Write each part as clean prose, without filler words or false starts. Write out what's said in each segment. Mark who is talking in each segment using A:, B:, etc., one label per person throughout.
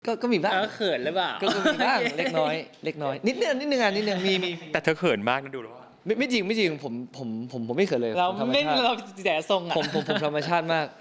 A: ก็มีบ้าง
B: เขินหรือเปล่า
A: ก็มีบ้างเล็กน้อยเล็กน้อยนิดนึงมี
C: แต่เธอเขินมากนะดูแล้วว่า
A: ไม่จริงผมไม่เขินเลย
B: เรา
A: ธรรม
B: ไม่
A: ชาติ
B: เราแต่ทรงอ่ะ
A: ผมธรรมชาติมาก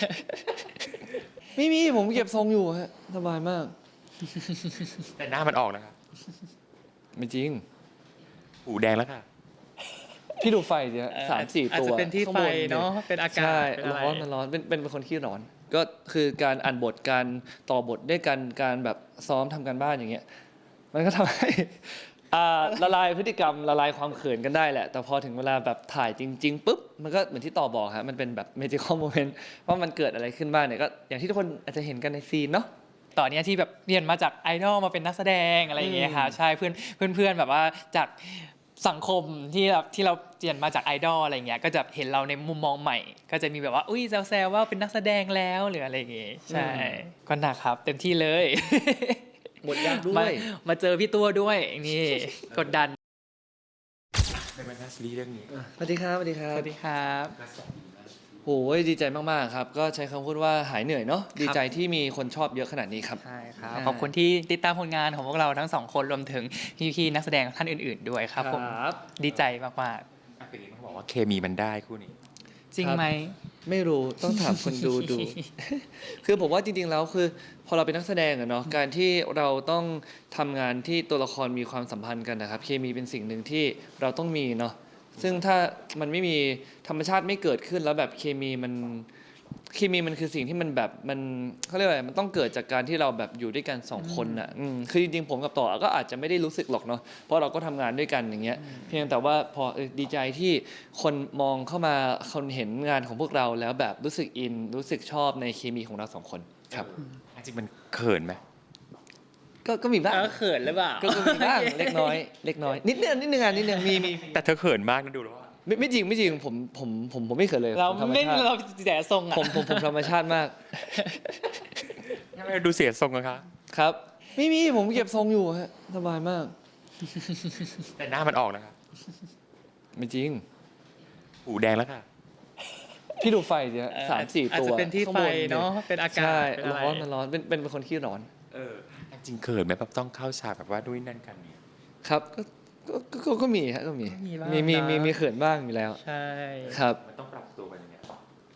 A: ไม่มีผมเก็บทรงอยู่ฮะสบายมาก
C: แต่หน้ามันออกนะครับ
A: ไม่จริง
C: หูแดงแล้วค่ะ
A: พี่ดูไฟสิฮะ3-4 ตัว
B: อาจจะเป็นที่ไฟเนาะเป็นอากาศ
A: ใช่
B: เป็นอะไร
A: ร้อนมันร้อนเป็นคนขี้ร้อนก็คือการอ่านบทการต่อบทด้วยกันการแบบซ้อมทำการบ้านอย่างเงี้ยมันก็ทำให้ละลายพฤติกรรมละลายความเขินกันได้แหละแต่พอถึงเวลาแบบถ่ายจริงๆปุ๊บมันก็เหมือนที่ต่อบอกฮะมันเป็นแบบ magical moment ว่ามันเกิดอะไรขึ้นบ้างเนี่ยก็อย่างที่ทุกคนอาจจะเห็นกันในซีนเนาะ
B: ตอนนี้ที่แบบเรียนมาจากไอดอลมาเป็นนักแสดงอะไรอย่างเงี้ยค่ะใช่เพื่อนแบบว่าจากสังคมที่เราเรียนมาจากไอดอลอะไรเงี้ยก็จะเห็นเราในมุมมองใหม่ ก็จะมีแบบว่าอุ้ยแซวๆว่าเป็นนักแสดงแล้วหรืออะไรอย่างเงี้ยใช่ก็หนักครับเต็มที่เลย
A: หมดยากด้วย
B: มาเจอพี่ตัวด้วยนี่กดดัน
C: ในบรรดาซีรีส์เรื่องนี้
A: สวัสดีครับสวัสดีครับ
B: สวัสดีครับ
A: โอ้ยดีใจมากๆครับก็ใช้คำพูดว่าหายเหนื่อยเนาะดีใจที่มีคนชอบเยอะขนาดนี้ครับ
B: ใช่ครับขอบคุณที่ติดตามผลงานของพวกเราทั้งสองคนรวมถึงพี่ๆนักแสดงท่านอื่นๆด้วยครับผมดีใจมาก
C: ๆเป็นเขาบอกว่าเคมีมันได้คู่นี้
B: จริงไหม
A: ไม่รู้ต้องถามคนดู คือผมว่าจริงๆแล้วคือพอเราเป็นนักแสดงอะเนาะการที่เราต้องทำงานที่ตัวละครมีความสัมพันธ์กันนะครับเคมีเป็นสิ่งหนึ่งที่เราต้องมีเนาะซึ่งถ้ามันไม่มีธรรมชาติไม่เกิดขึ้นแล้วแบบเคมีมันคือสิ่งที่มันแบบมันเขาเรียกว่าอะไรมันต้องเกิดจากการที่เราแบบอยู่ด้วยกัน2 คนอ่ะคือจริงๆผมกับต่อก็อาจจะไม่ได้รู้สึกหรอกเนาะเพราะเราก็ทำงานด้วยกันอย่างเงี้ยเพียงแต่ว่าพอดีใจที่คนมองเข้ามาคนเห็นงานของพวกเราแล้วแบบรู้สึกอินรู้สึกชอบในเคมีของเรา2 คนครับ
C: จริงมันเขินไหม
A: ก็มีบ้าง
B: เขินหรือเปล่า
A: ก็มีบ้างเล็กน้อยนิดนึงมี
C: แต่เธอเขินมากนะดูแล้วว่า
A: ไม่จริงผมไม่เขินเลย
B: เราไม่เราแต่ทรงอ่ะ
A: ผมธรรมชาติมาก
C: ทำไมดูเสียทรงอะคะ
A: ครับไม่มีผมเก็บทรงอยู่ฮะสบายมาก
C: แต่หน้ามันออกนะครับ
A: ไม่จริง
C: หูแดงแล้วค่ะ
A: พี่ดูไฟสิฮะ3-4 ตัว
B: อาจจะเป็นที่ไฟเนาะเป็นอากาศ
A: ใช่ร้อนมันร้อนเป็นคนขี้ร้อน
C: จริงเขินไหมแบบต้องเข้าฉากแบบว่าด้วยนั่นกันเนี่ย
A: ครับก็มีฮะก็มีเขินบ้างอยู่แล้ว
B: ใช่
A: ครับ
C: มันต้องปรับตัวกันยังไง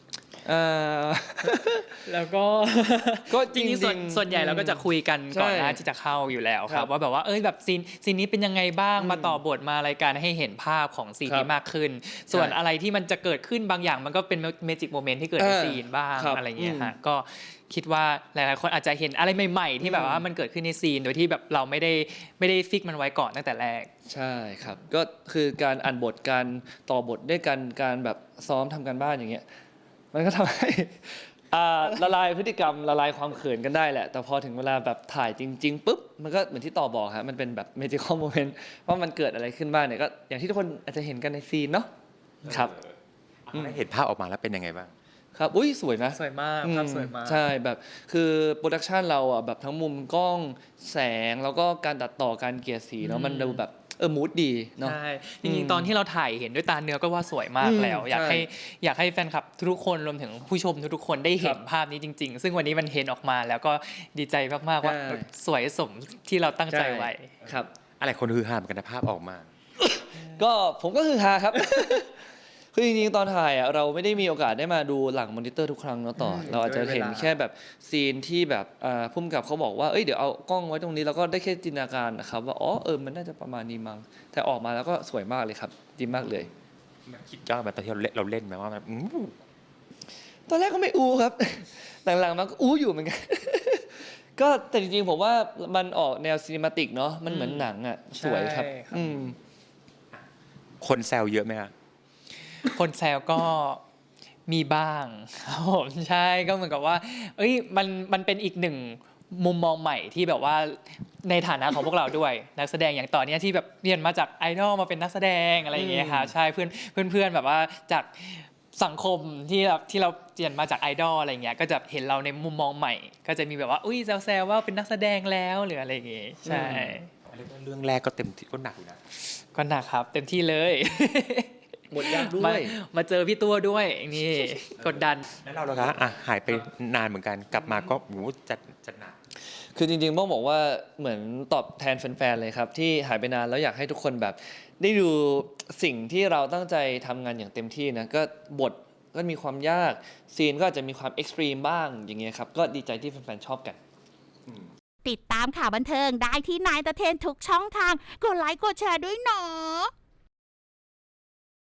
B: แล้วก็จริงๆส่วนใหญ่เราก็จะคุยกันก่อนหน้าที่จะเข้าอยู่แล้วครับว่าแบบว่าแบบซีนนี้เป็นยังไงบ้างมาต่อบทมารายการให้เห็นภาพของซีนนี้มากขึ้นส่วนอะไรที่มันจะเกิดขึ้นบางอย่างมันก็เป็นเมจิกโมเมนต์ที่เกิดในซีนบ้างอะไรอย่างเงี้ยฮะก็คิดว่าหลายๆคนอาจจะเห็นอะไรใหม่ๆที่แบบว่ามันเกิดขึ้นในซีนโดยที่แบบเราไม่ได้ฟิกมันไว้ก่อนตั้งแต่แรก
A: ใช่ครับก็คือการอ่านบทการต่อบทด้วยกันการแบบซ้อมทำการบ้านอย่างเงี้ยมันก็ทำให้ละลายพฤติกรรมละลายความเขินกันได้แหละแต่พอถึงเวลาแบบถ่ายจริงๆปุ๊บมันก็เหมือนที่ต่อบอกฮะมันเป็นแบบ magical moment ว่ามันเกิดอะไรขึ้นบ้างเนี่ยก็อย่างที่ทุกคนอาจจะเห็นกันในซีนเนาะครับ
C: ได้เห็นภาพออกมาแล้วเป็นยังไงบ้าง
A: ครับอุ้ยสวยนะ
B: สวยมากภาพสวยมาก
A: ใช่แบบคือโปรดักชันเราอ่ะแบบทั้งมุมกล้องแสงแล้วก็การตัดต่อการเกลี่ยสีเนาะมันดูแบบมูดดีเนาะ
B: ใช่จริงๆตอนที่เราถ่ายเห็นด้วยตาเนื้อก็ว่าสวยมากแล้วอยากให้แฟนคลับทุกคนรวมถึงผู้ชมทุกคนได้เห็นภาพนี้จริงๆซึ่งวันนี้มันเห็นออกมาแล้วก็ดีใจมากๆว่าสวยสมที่เราตั้งใจไว้
A: ครับ
C: อะไรคนฮือฮาเหมือนกันภาพออกมา
A: ก็ผมก็คือฮาครับคือจริงๆตอนถ่ายอ่ะเราไม่ได้มีโอกาสได้มาดูหลังมอนิเตอร์ทุกครั้งเนาะต่อเราอาจจะเห็นแค่แบบซีนที่แบบพุ่มกับเขาบอกว่าเดี๋ยวเอากล้องไว้ตรงนี้แล้วก็ได้แค่จินตนาการนะครับว่ามันน่าจะประมาณนี้มั้งแต่ออกมาแล้วก็สวยมากเลยครับดีมากเลย
C: คิดยากแบบตอนที่เราเล่นไหมว่าแบบ
A: ตอนแรกก็ไม่อู้ครับหลังๆมาก็อู้อยู่เหมือนกันก็แต่จริงๆผมว่ามันออกแนวซีนิมาติกเนาะมันเหมือนหนังอ่ะสวยครับ
C: คนแซวเยอะไหมครับ
B: คนแซวก็มีบ้างครับผมใช่ก็เหมือนกับว่ามันเป็นอีกหนึ่งมุมมองใหม่ที่แบบว่าในฐานะของพวกเราด้วยนักแสดงอย่างต่อเนี้ยที่แบบเรียนมาจากไอดอลมาเป็นนักแสดงอะไรอย่างเงี้ยค่ะใช่เพื่อนแบบว่าจากสังคมที่เราเรียนมาจากไอดอลอะไรเงี้ยก็จะเห็นเราในมุมมองใหม่ ก็จะมีแบบว่าแซวว่าเป็นนักแสดงแล้วหรืออะไรอย่างเงี้ยใช่
C: เรื่องแรกก็เต็มที่ก็หนักอยู่นะ
B: ก็หนักครับเต็มที่เลย
A: หมดยากด้วย
B: มาเจอพี่ตัวด้วยนี่กดดัน
C: แล้วเราล่ะคะหายไปนานเหมือนกันกลับมาก็จัดหนัก
A: คือจริงๆต้องบอกว่าเหมือนตอบแทนแฟนๆเลยครับที่หายไปนานแล้วอยากให้ทุกคนแบบได้ดูสิ่งที่เราตั้งใจทำงานอย่างเต็มที่นะก็บทก็มีความยากซีนก็อาจจะมีความเอ็กซ์ตรีมบ้างอย่างเงี้ยครับก็ดีใจที่แฟนๆชอบกัน
D: ติดตามข่าวบันเทิงได้ที่นายตะเทนทุกช่องทางกดไลค์กดแชร์ด้วยเนาะ